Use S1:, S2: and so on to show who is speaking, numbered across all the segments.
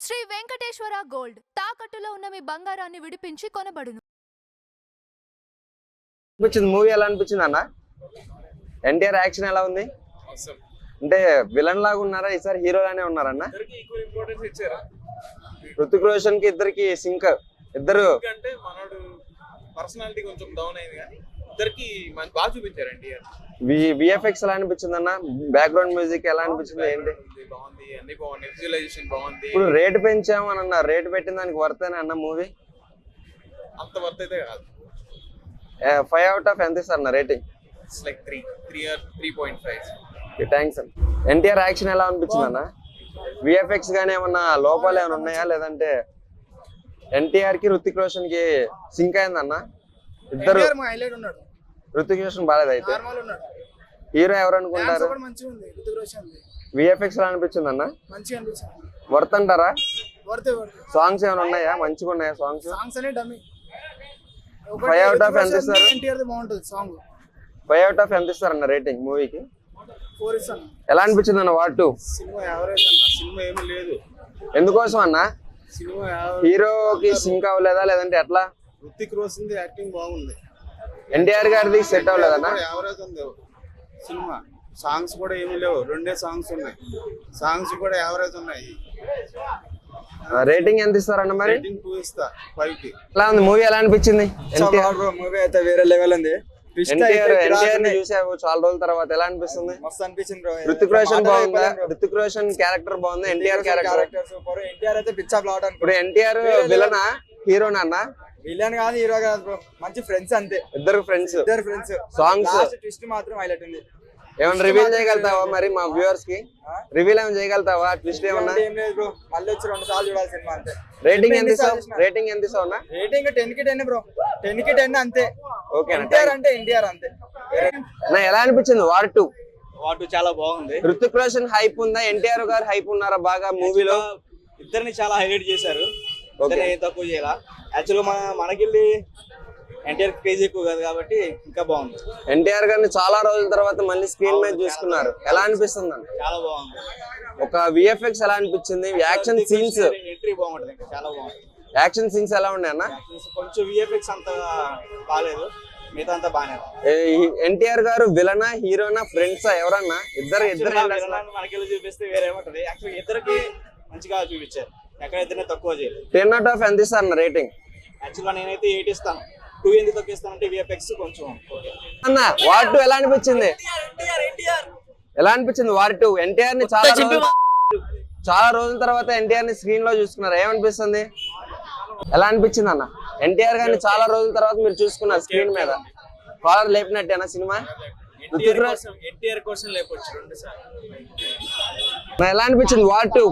S1: Shri Venkateswara gold తాకట్టులో ఉన్న మీ బంగారాన్ని విడిపించి కొనబడును.
S2: మూవీ ఎలా అనిపించింది అన్న? ఎన్టీఆర్ యాక్షన్ ఎలా ఉంది? అంటే విలన్ లాగా ఉన్నారా, ఈసారి హీరో లానే ఉన్నారన్న? రుతిక్ రోషన్ కి ఇద్దరికి సింక్, ఇద్దరు
S3: అంటే మనోడు పర్సనాలిటీ కొంచెం డౌన్ అయింది కానీ ఇద్దరికి బాగా చూపించారు ఎన్టీఆర్.
S2: విఎఫ్ఎక్స్ ఎలా అనిపించింది అన్న? బ్యాక్గ్రౌండ్ మ్యూజిక్ ఎలా అనిపించింది? ఏంటి
S3: బాగుంది, అన్ని బాగుంది, విజువలైజేషన్ బాగుంది.
S2: ఇప్పుడు రేట్ పెంచాము అని అన్నారు, రేట్ పెట్టిన దానికి వర్తేనే అన్న మూవీ?
S3: అంత వర్త్ అయితే కాదు.
S2: 5 out of ఎంత ఇస్తారు అన్న రేటింగ్?
S3: It's like 3.5.
S2: థ్యాంక్స్ అన్న. ఎన్టీఆర్ యాక్షన్ ఎలా అనిపించింది అన్న? విఎఫ్ఎక్స్ గానీ ఏమన్నా లోపాలు ఏమైనా ఉన్నాయా, లేదంటే ఎన్టీఆర్ కి రుతిక్ రోషన్ కి సింక్ అయిందన్న? ఇద్దరు రుతిక్ రోషన్ బాగాలేదు అయితే. హీరో ఎవరు అనుకుంటారు? విఎఫ్ఎక్స్ ఎలా అనిపించింది అన్న? వర్త్ అంటారా? సాంగ్స్ ఏమైనా ఉన్నాయా, మంచిగా ఉన్నాయా సాంగ్స్? 5 out of ఎంత ఇస్తారు? 5 out of ఎంత ఇస్తారు అన్న రేటింగ్ మూవీకి?
S4: 4 ఇస్తాను.
S2: ఎలా అనిపించింది అన్న వార్ 2?
S3: సినిమా యావరేజ్ అన్న, సినిమా ఏమీ లేదు.
S2: ఎందుకోసం అన్న?
S3: సినిమా
S2: హీరోకి సింక్ అవ్వలేదా, లేదంటే ఎట్లా?
S3: రుతిక్ రోషన్ యాక్టింగ్ బాగుంది,
S2: ఎన్టీఆర్ గారిది సెట్ అవ్వలేదన్నా?
S3: యావరేజ్ ఉంది సినిమా. సాంగ్స్ కూడా ఏమీ లేవు, 2 సాంగ్స్ ఉన్నాయి, సాంగ్స్ కూడా యావరేజ్ ఉన్నాయి.
S2: రేటింగ్ ఎంత ఇస్తారన్న మరి?
S3: 2 ఇస్తా 5 కి.
S2: ఎలా ఉంది మూవీ? ఎలా అనిపించింది?
S4: మూవీ అయితే వేరే లెవెల్ ఉంది.
S2: ఎన్టీఆర్ ని చూసావు చాలా రోజుల తర్వాత, ఎలా అనిపిస్తుంది?
S4: మస్తు అనిపించింది బ్రో.
S2: రుతిక్ రోషన్ బాగుందా? రుతిక్ రోషన్ క్యారెక్టర్ బాగుందా? NTR character
S4: super. ఎన్టీఆర్ అయితే పిచ్చా ప్లాట్ అనుకో.
S2: ఇప్పుడు ఎన్టీఆర్ విలనా హీరోనా అన్న?
S4: విలన్ కాదు, హీరో కాదు బ్రో, మంచి ఫ్రెండ్స్ అంతే.
S2: ఇద్దరు ఫ్రెండ్స్.
S4: సాంగ్స్ ట్విస్ట్ మాత్రం హైలైట్ ఉంది.
S2: ఏమన్నా రివీల్ చేయగలుగుతావా మరి మా వ్యూవర్స్ కి? రివీల్ ఏమైనా చేయగలుగుతావా? ట్విస్ట్ ఏమన్నా?
S4: ఏం లేదు బ్రో, మళ్ళీ వచ్చి 2 సార్లు చూడాలి సినిమా అంతే.
S2: రేటింగ్ ఎంత ఇస్తావు? రేటింగ్ ఎంత ఇస్తావు అన్న?
S4: రేటింగ్ 10 కి 10 బ్రో, 10 కి 10 అంతే.
S2: ఓకే
S4: ఎన్టీఆర్ అంటే ఎన్టీఆర్ అంతే.
S2: నా ఎలా అనిపించింది వార్ 2?
S4: వాటు చాలా బాగుంది.
S2: రుతిక్ రోషన్ హైప్ ఉందా, ఎన్టీఆర్ గారు హైప్ ఉన్నారా బాగా మూవీలో?
S4: ఇద్దరిని చాలా హైలైట్ చేశారు, తక్కువ చేయాల. యాక్చువల్గా మనకెళ్ళి ఎన్టీఆర్ క్రేజ్ ఎక్కువ కాదు కాబట్టి ఇంకా బాగుంది.
S2: ఎన్టీఆర్ గారిని చాలా రోజుల తర్వాత మళ్ళీ స్క్రీన్ మీద చూసుకున్నారు, ఎలా అనిపిస్తుంది అన్న?
S4: చాలా బాగుంది.
S2: ఒక విఎఫ్ఎక్స్ ఎలా అనిపించింది? యాక్షన్ సీన్స్
S4: ఎంట్రీ బాగుంటుంది, చాలా బాగుంది.
S2: యాక్షన్ సీన్స్ ఎలా ఉన్నాయి అన్న?
S4: కొంచెం విఎఫ్ఎక్స్ అంత బాగాలేదు, మిగతా అంతా బాగానే.
S2: ఎన్టీఆర్ గారు విలనా హీరోనా ఫ్రెండ్సా ఎవరన్నా? ఇద్దరు
S4: మనకెళ్ళి చూపిస్తే వేరేమంటది. యాక్చువల్ ఇద్దరికి మంచిగా చూపించారు, ఎక్కడ ఇద్దరిని తక్కువ చేయలేదు.
S2: 10 out of ఎంత ఇస్తారు అన్న రేటింగ్?
S4: యాక్చువల్గా నేనైతే 8 ఇస్తాను. 2 ఎందుకు తక్కువ ఇస్తానంటే విఎఫ్ఎక్స్ కొంచెం. అన్న
S2: వార్ 2 ఎలా అనిపించింది? ఎలా అనిపించింది వార్ 2? ఎన్టీఆర్ ని చాలా రోజుల తర్వాత ఎన్టీఆర్ ని స్క్రీన్ లో చూసుకున్నారు, ఏమనిపిస్తుంది? ఎలా అనిపించింది అన్న? ఎన్టీఆర్ గారిని చాలా రోజుల తర్వాత మీరు చూసుకున్నారు స్క్రీన్ మీద, కాలర్ లేపినట్టేనా సినిమా?
S3: ఎన్టీఆర్ కోసం లేపొచ్చు 2 సార్లు.
S2: ఎలా అనిపించింది వార్ 2?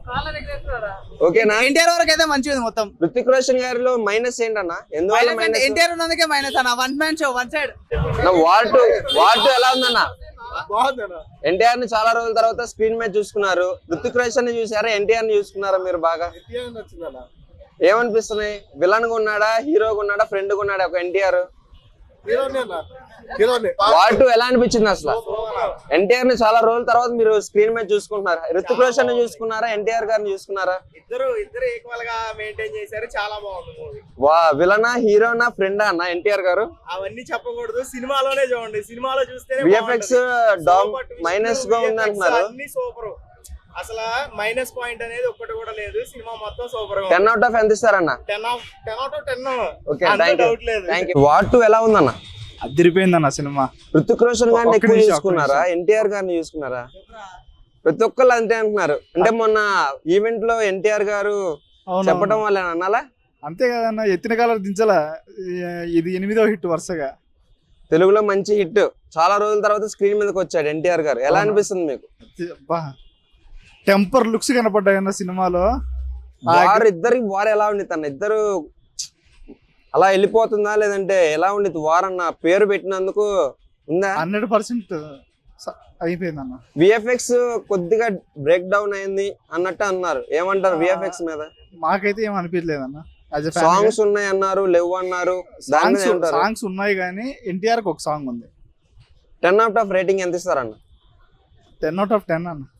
S2: ఓకేనా?
S4: ఎన్టీఆర్ వరకు అయితే మంచిది మొత్తం.
S2: రుతిక్ రోషన్ గారిలో మైనస్ ఏంటన్న? ఎందువల్ల మైనస్?
S4: ఎన్టీఆర్ ఉన్నందుకే మైనస్ అన్న. One man show, one side.
S2: War 2 ఎలా ఉందన్న? ఎన్టీఆర్ ని చాలా రోజుల తర్వాత స్క్రీన్ మీద చూసుకున్నారు, రుతిక్ రోషన్ ని చూసారా, ఎన్టీఆర్ ని చూసుకున్నారా మీరు బాగా? ఏమనిపిస్తున్నాయి? విలన్ గా ఉన్నాడా, హీరోగా ఉన్నాడా, ఫ్రెండ్ గా ఉన్నాడా ఒక ఎన్టీఆర్? వార్ 2 ఎలా అనిపించింది అసలు? ఎన్టీఆర్ ని చాలా రోజుల తర్వాత మీరు స్క్రీన్ మీద చూసుకుంటున్నారు, రుతిక్ రోషన్ ని చూసుకున్నారా, ఎన్టీఆర్ గారిని చూసుకున్నారా?
S4: ఇద్దరు ఈక్వల్ గా మెయింటైన్ చేశారు, చాలా బాగుంది మూవీ.
S2: విలనా హీరోనా ఫ్రెండా అన్న ఎన్టీఆర్ గారు?
S4: అవన్నీ చెప్పకూడదు, సినిమాలోనే చూడండి. సినిమాలో చూస్తే
S2: విఎఫ్ఎక్స్ మైనస్ గా ఉంది అంటున్నారు.
S4: అన్ని సూపర్, అసలు మైనస్ పాయింట్ అనేది ఒక్కటి కూడా లేదు. సినిమా మొత్తం సూపర్ గా.
S2: 10 out of ఎంత ఇస్తారన్న?
S4: 10 out of 10.
S2: Okay, thank you. War 2 ఎలా ఉందన్న?
S4: అదిరిపోయిందన్న సినిమా.
S2: రుతిక్ రోషన్ గారిని ఎక్కువ చూసుకున్నారా, ఎన్టీఆర్ గారిని చూసుకున్నారా? ప్రతి ఒక్కళ్ళు అంతే అంటున్నారు. అంటే మొన్న ఈవెంట్ లో ఎన్టీఆర్ గారు చెప్పడం వల్ల అన్నాలా?
S5: అంతే కదన్న, ఎత్తిన కాలర్ దించలా. ఇది 8వ హిట్ వరుసగా
S2: తెలుగులో మంచి హిట్. చాలా రోజుల తర్వాత స్క్రీన్ మీదకి వచ్చాడు ఎన్టీఆర్ గారు, ఎలా అనిపిస్తుంది మీకు?
S5: టెంపర్ లుక్స్ కనపడ్డాయి అన్న సినిమాలో.
S2: ఇద్దరికి వార్ ఎలా ఉండి తన ఇద్దరు అలా వెళ్ళిపోతుందా, లేదంటే ఎలా ఉండిద్ది వార్ అన్న పేరు పెట్టినందుకు ఉందా?
S5: 100% అయిపోయింది అన్న.
S2: విఎఫ్ఎక్స్ కొద్దిగా బ్రేక్ డౌన్ అయింది అన్నట్టు అన్నారు, ఏమంటారు విఎఫ్ఎక్స్ మీద?
S5: మాకైతే ఏం అనిపించలేదు అన్న.
S2: సాంగ్స్ ఉన్నాయి అన్నారు, లేవు అన్నారు.
S5: సాంగ్స్ ఉన్నాయి కానీ ఎన్టీఆర్ కి ఒక సాంగ్ ఉంది.
S2: 10 out of రేటింగ్ ఎంత ఇస్తారన్న?
S5: 10 out of 10 అన్న.